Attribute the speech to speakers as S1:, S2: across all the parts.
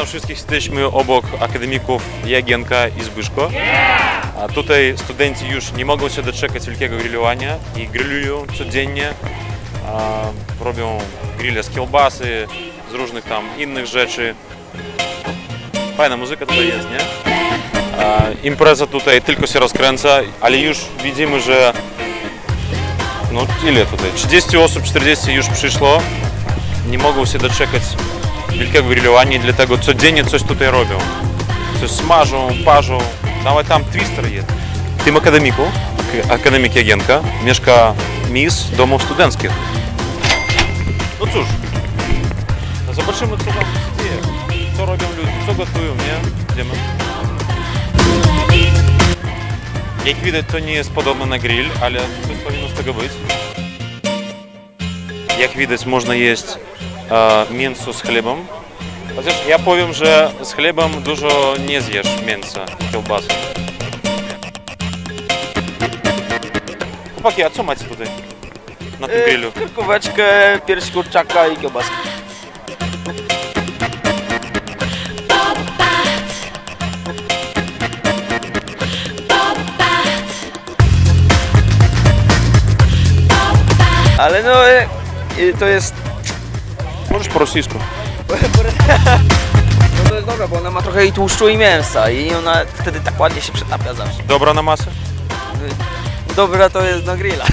S1: wszystkich jesteśmy obok akademików Jagienka i Zbyszko. A tutaj studenci już nie mogą się doczekać wielkiego grillowania i grillują codziennie. Robią grille z kiełbasy, z różnych tam innych rzeczy. Fajna muzyka tutaj jest, nie? Impreza tutaj tylko się rozkręca, ale już widzimy, że no ile tutaj? 30 osób, 40 już przyszło. Nie mogą się doczekać wielkiego grillowania, dlatego codziennie coś tutaj robią. Coś smażą, parzą. Nawet tam twister jest. W tym akademiku, akademik Jagienka, mieszka mistrz domów studenckich. No cóż, zobaczymy, co tam się dzieje. Co robią ludzie, co gotują, nie? Idziemy. Jak widać, to nie jest podobne na grill, ale coś powinno z tego być. Jak widać, można jeść mięso z chlebem. Chociaż ja powiem, że z chlebem dużo nie zjesz mięsa i kiełbasy. Chłopaki, a co macie tutaj na tym grillu?
S2: Kurkóweczkę, pierś kurczaka i kiełbaskę. Ale no, to jest...
S1: Możesz po rosyjsku.
S2: No to jest dobra, bo ona ma trochę i tłuszczu i mięsa i ona wtedy tak ładnie się przetapia zawsze.
S1: Dobra na masę?
S2: Dobra to jest na grilla.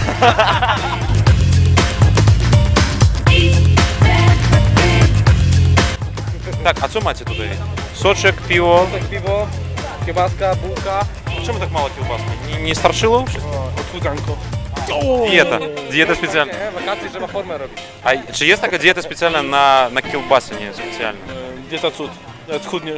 S1: Tak, a co macie tutaj? Soczek, piwo?
S3: Tak, piwo, kiełbaska, bułka.
S1: Czemu tak mało kiełbaski? Nie starczyło?
S3: Odchudzanko.
S1: Dieta. Dieta specjalna.
S3: Nie, wakacje trzeba formę robić.
S1: A czy jest taka dieta specjalna na kiełbasy, nie specjalna?
S3: Dieta cud. Schudniesz.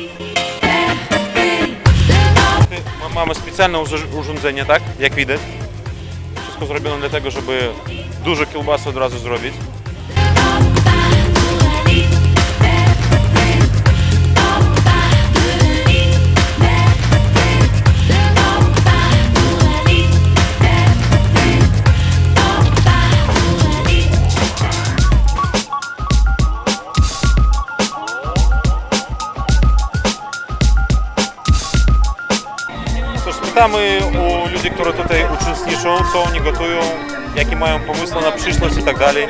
S1: Mamy specjalne urządzenie, tak? Jak widać. Wszystko zrobione dlatego, żeby dużo kiełbasy od razu zrobić. Pytamy u ludzi, którzy tutaj uczestniczą, co oni gotują, jakie mają pomysły na przyszłość i tak dalej.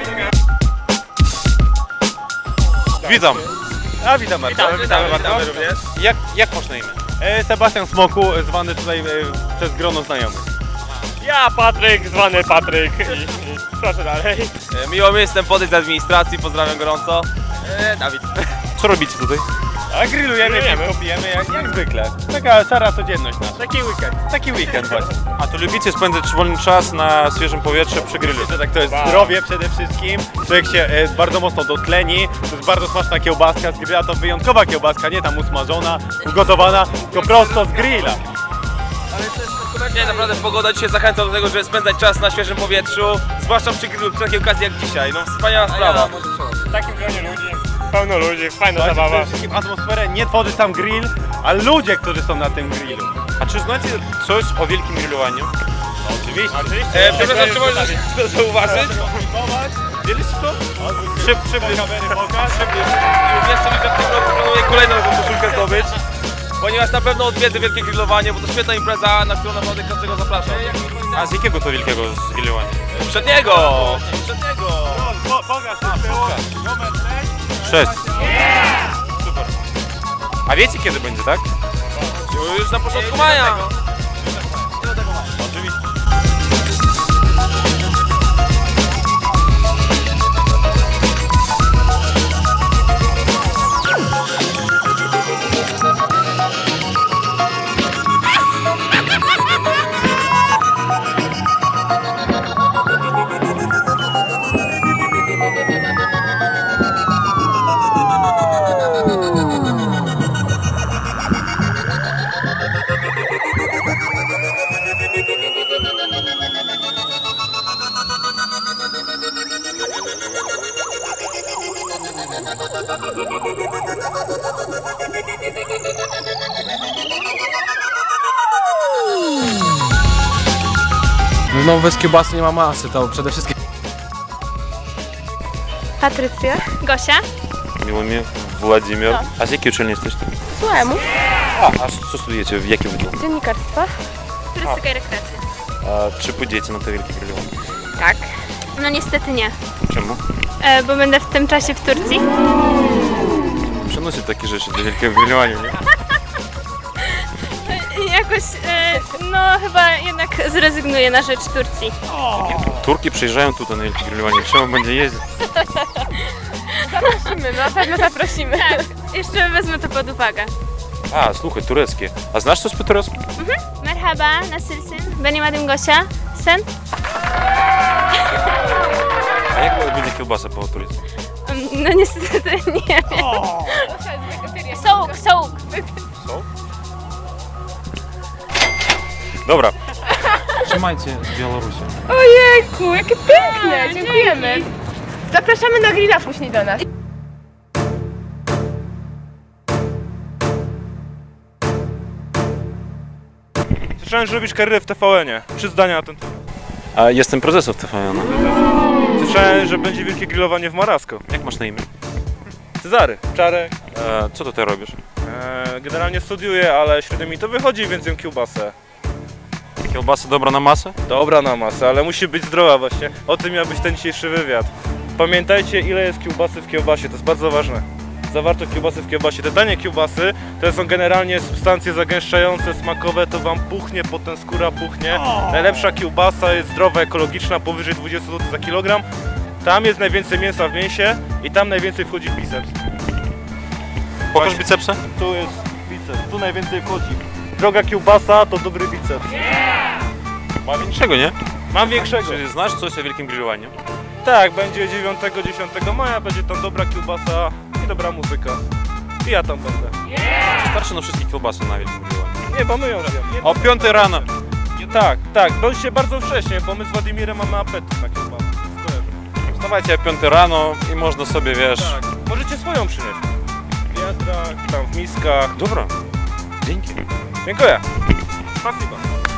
S1: Witam.
S3: A witam bardzo. Witamy bardzo również.
S1: Jak masz na imię?
S3: Sebastian Smoku, zwany tutaj przez grono znajomych.
S4: Ja, Patryk, zwany Patryk i proszę dalej.
S2: Miło mi, jestem Podejdź z administracji, pozdrawiam gorąco. Dawid.
S1: Co robicie tutaj?
S3: A grillujemy, piwko pijemy jak zwykle. Taka szara codzienność nasza.
S4: Taki weekend.
S3: Taki weekend właśnie.
S1: A to lubicie spędzać wolny czas na świeżym powietrzu przy grillu?
S3: Że tak, to jest zdrowie przede wszystkim. Człowiek się bardzo mocno dotleni. To jest bardzo smaczna kiełbaska z grilla. To wyjątkowa kiełbaska, nie tam usmażona, ugotowana, tylko prosto z grilla.
S2: Nie, naprawdę pogoda dzisiaj zachęca do tego, żeby spędzać czas na świeżym powietrzu, zwłaszcza przy grillu, przy takiej okazji jak dzisiaj. No wspaniała sprawa.
S4: W takim gronie ludzi, pełno ludzi, fajna zabawa.
S3: Przede wszystkim atmosferę nie tworzy sam grill, a ludzie, którzy są na tym grillu.
S1: A czy znacie coś o wielkim grillowaniu?
S3: Oczywiście.
S2: Przepraszam, czy możesz to zauważyć?
S1: Widzieliście to?
S3: Przybliż kamery, pokaż.
S2: Jeszcze mi, że w tym roku planuję kolejną taką koszulkę zdobyć, ponieważ na pewno odwiedzę wielkie grillowanie, bo to świetna impreza, na którą naprawdę każdego zapraszam.
S1: A z jakiego to wielkiego grillowania?
S2: Poprzedniego!
S3: Pokaż numer
S1: 6. Super. A wiecie kiedy będzie, tak?
S2: Już na początku maja.
S1: Oczywiście.
S5: No bez kiełbasy nie ma masy, to przede wszystkim.
S6: Patrycja.
S7: Gosia.
S1: Miło mi. Władimir. A z jakiej uczelni jesteście?
S6: Słuchajmy.
S1: A co studujecie? W jakim wydziale?
S6: Dziennikarstwa.
S7: Turystyka i rekreacja.
S1: A czy pójdziecie na to wielkie grillowanie?
S7: Tak. No niestety nie,
S1: Czemu?
S7: bo będę w tym czasie w Turcji.
S1: Przenosi takie rzeczy do wielkiego grillowania, nie?
S7: I jakoś, no chyba jednak zrezygnuję na rzecz Turcji.
S1: Turki przyjeżdżają tutaj na wielkie grillowanie. Czemu będzie jeździć?
S6: Zaprosimy, na pewno zaprosimy.
S7: Tak, jeszcze wezmę to pod uwagę.
S1: A, słuchaj, tureckie. A znasz coś po turecku?
S7: Merhaba, nasılsın? Benim adım Gosia. Sen?
S1: A jak będzie kiełbasa po turecku?
S7: No niestety nie wiem. Sołk, sołk.
S1: Dobra. Trzymajcie z Białorusi.
S6: Ojejku, jakie piękne, dziękujemy. Zapraszamy na grilla później do nas.
S3: Słyszałem, że robisz karierę w TVN-ie. 3 zdania na ten temat.
S1: A jestem prezesem TVN.
S3: Słyszałem, że będzie wielkie grillowanie w Marasko.
S1: Jak masz na imię?
S3: Cezary, Czarek.
S1: Co tutaj robisz?
S3: Generalnie studiuję, ale średnio mi to wychodzi, więc jem kiełbasę.
S1: Kiełbasa dobra na masę?
S3: Dobra na masę, ale musi być zdrowa właśnie. O tym miał być ten dzisiejszy wywiad. Pamiętajcie, ile jest kiełbasy w kiełbasie, to jest bardzo ważne. Zawartość kiełbasy w kiełbasie. Te tanie kiełbasy to są generalnie substancje zagęszczające, smakowe, to wam puchnie, potem skóra puchnie. Najlepsza kiełbasa jest zdrowa, ekologiczna, powyżej 20 zł za kilogram. Tam jest najwięcej mięsa w mięsie i tam najwięcej wchodzi biceps.
S1: Pokaż bicepsa?
S3: Tu jest biceps, tu najwięcej wchodzi. Droga kiełbasa to dobry biceps.
S1: Ma większego, nie?
S3: Mam większego.
S1: Czy znasz coś o wielkim grillowaniu?
S3: Tak, będzie 9-10 maja, będzie tam dobra kiełbasa i dobra muzyka. I ja tam będę.
S1: Czy starczy na wszystkie kiełbasy na wielkim grillowaniu?
S3: Nie, bo my ją zjemy.
S1: O 5 rano.
S3: Tak, bądźcie bardzo wcześnie, bo my z Władimirem mamy apetyt na kiełbasę.
S1: Wstawajcie o 5 rano i można sobie, wiesz...
S3: Tak, możecie swoją przynieść. W wiadrach, tam w miskach.
S1: Dobra, dzięki.
S3: Dziękuję. Spasibo.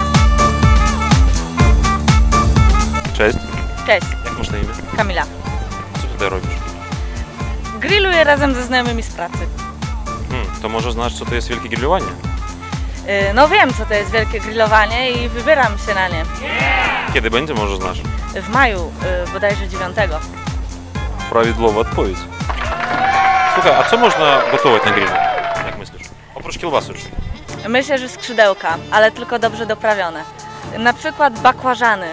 S1: Cześć.
S8: Cześć,
S1: Jak masz na imię?
S8: Kamila.
S1: Co tutaj robisz?
S8: Grilluję razem ze znajomymi z pracy.
S1: To może znasz, co to jest wielkie grillowanie?
S8: No wiem, co to jest wielkie grillowanie i wybieram się na nie.
S1: Kiedy będzie, może znasz?
S8: W maju, bodajże 9.
S1: Prawidłowa odpowiedź. Słuchaj, a co można gotować na grillu? Jak myślisz? Oprócz kiełbasy już.
S8: Myślę, że skrzydełka, ale tylko dobrze doprawione. Na przykład bakłażany.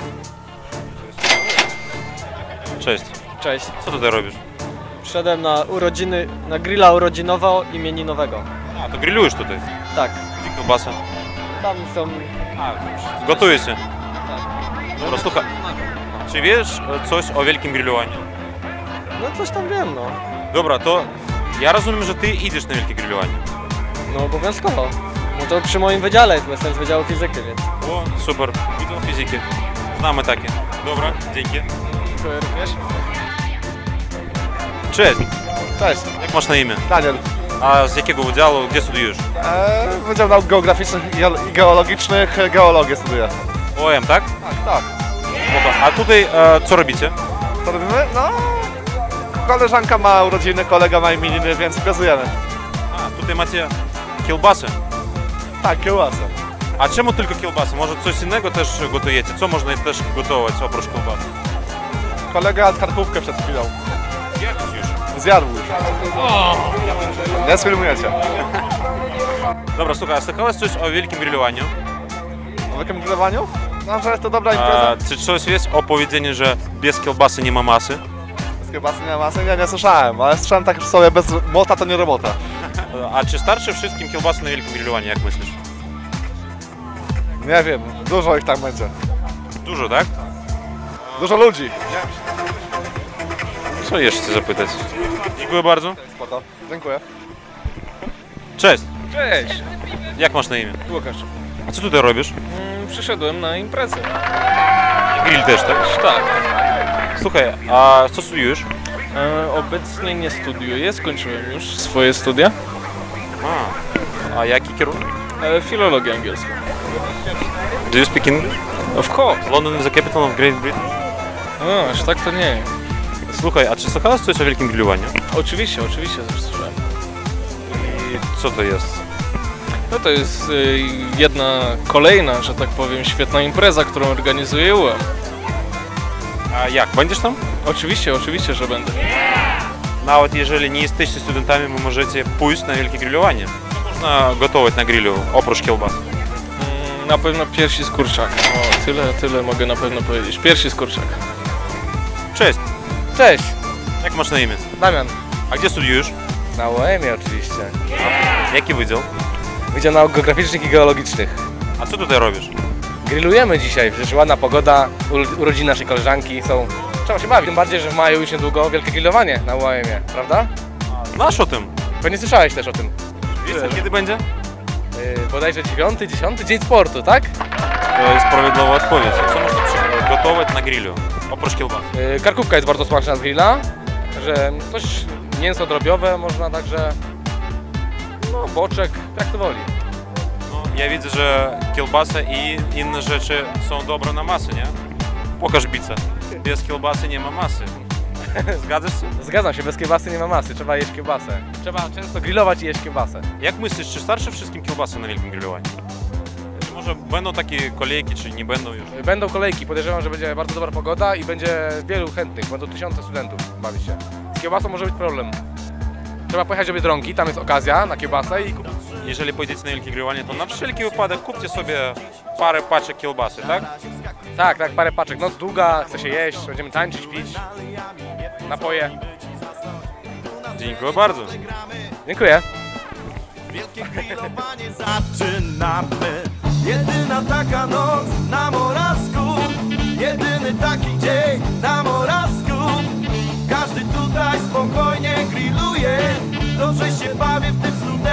S1: Cześć.
S5: Cześć.
S1: Co tutaj robisz?
S5: Przyszedłem na urodziny, na grilla urodzinowo-imieninowego.
S1: A, to grillujesz tutaj.
S5: Tak,
S1: Gdzie kiełbasa?
S5: tam są...
S1: Gotuje się. Dobra, słuchaj. Czy wiesz coś o wielkim grillowaniu?
S5: No coś tam wiem, no.
S1: Dobra, to ja rozumiem, że ty idziesz na wielkie grillowanie.
S5: No obowiązkowo. No to przy moim wydziale, bo jestem z Wydziału Fizyki, więc...
S1: O, super. Widzą fizyki. Znamy takie. Dobra, dzięki.
S5: Dziękuję również.
S1: Cześć.
S9: Cześć,
S1: Jak masz na imię?
S9: Daniel.
S1: A z jakiego wydziału? Gdzie studiujesz?
S9: Wydział Nauk Geograficznych i Geologicznych, geologię studiuję.
S1: OM, tak?
S9: Tak.
S1: Spoko. A tutaj co robicie?
S9: Co robimy? No, koleżanka ma urodziny, kolega ma imieniny, więc imprezujemy.
S1: A, tutaj macie kiełbasę.
S9: Tak, kiełbasę.
S1: A czemu tylko kiełbasę? Może coś innego też gotujecie? Co można też gotować oprócz kiełbasy?
S9: Kolega jadł karkówkę przed chwilą.
S1: Jak już?
S9: Zjadł już. Nie sfilmujecie.
S1: Dobra, słuchaj, a słyszałeś coś o wielkim grillowaniu?
S9: O jakim grillowaniu? No, że jest to dobra impreza.
S1: Czy coś jest o powiedzeniu, że bez kiełbasy nie ma masy?
S9: Z kiełbasy nie ma masy? Nie słyszałem, ale słyszałem tak sobie, bez młota to nie robota.
S1: A czy starczy wszystkim kiełbasy na wielkim grillowaniu, jak myślisz?
S9: Nie wiem, dużo ich tam będzie.
S1: Dużo, tak?
S9: Dużo ludzi.
S1: Co jeszcze chcę zapytać? Dziękuję bardzo.
S9: Spoko, dziękuję.
S1: Cześć.
S2: Cześć,
S1: Jak masz na imię?
S2: Łukasz.
S1: A co tutaj robisz?
S2: Przyszedłem na imprezę.
S1: Grill też, tak?
S2: Tak.
S1: Słuchaj, a co studiujesz?
S2: Obecnie nie studiuję, skończyłem już swoje studia.
S1: A jaki kierunek?
S2: Filologię angielską.
S1: Do you speak English?
S2: Of course.
S1: London is the capital of Great Britain.
S2: No, aż tak to nie.
S1: Słuchaj, a czy słuchałeś coś o wielkim grillowaniu?
S2: Oczywiście, że słyszałem.
S1: I co to jest?
S2: No to jest jedna kolejna, że tak powiem, świetna impreza, którą organizuje UM.
S1: A jak, będziesz tam?
S2: Oczywiście, że będę.
S1: Nawet jeżeli nie jesteście studentami, wy możecie pójść na wielkie grillowanie. Co można gotować na grillu, oprócz kiełbas?
S2: Na pewno piersi z kurczaka. O, tyle mogę na pewno powiedzieć. Piersi z kurczaka.
S1: Cześć,
S5: Cześć,
S1: jak masz na imię?
S5: Damian.
S1: A gdzie studiujesz?
S5: Na UEM-ie oczywiście.
S1: Jaki wydział?
S5: Wydział Nauk Geograficznych i Geologicznych.
S1: A co tutaj robisz?
S5: Grillujemy dzisiaj, przecież ładna pogoda, urodziny naszej koleżanki są... Trzeba się bawić, tym bardziej, że w maju już niedługo wielkie grillowanie na UEM-ie, prawda?
S1: Znasz o tym?
S5: Pewnie słyszałeś też o tym.
S1: Wiesz, kiedy będzie?
S5: Bodajże 9, 10 Dzień Sportu, tak?
S1: To jest prawidłowa odpowiedź. Co można gotować na grillu, oprócz kiełbas?
S5: Karkówka jest bardzo smaczna z grilla, że coś mięso drobiowe można także... No, boczek, jak to woli.
S1: No, ja widzę, że kiełbasa i inne rzeczy są dobre na masę, nie? Pokaż bicę. Bez kiełbasy nie ma masy. Zgadzasz się?
S5: Zgadzam się, bez kiełbasy nie ma masy, trzeba jeść kiełbasę. Trzeba często grillować i jeść kiełbasę.
S1: Jak myślisz, czy starczy wszystkim kiełbasy na wielkim grillowaniu? Czy może będą takie kolejki, czy nie będą już?
S5: Będą kolejki, podejrzewam, że będzie bardzo dobra pogoda i będzie wielu chętnych, będą tysiące studentów bawić się. Z kiełbasą może być problem. Trzeba pojechać do Biedronki, tam jest okazja na kiełbasę i kupić.
S1: Jeżeli pojedziecie na wielkie grillowanie, to na wszelki wypadek kupcie sobie parę paczek kiełbasy, tak?
S5: Tak, parę paczek. Noc długa, chce się jeść, będziemy tańczyć, pić, napoje.
S1: Dziękuję bardzo.
S5: Dziękuję.
S10: Wielkie grillowanie zaczynamy. Jedyna taka noc na Morawsku, jedyny taki dzień na Morawsku. Każdy tutaj spokojnie grilluje, dobrze się bawi w tym studentach.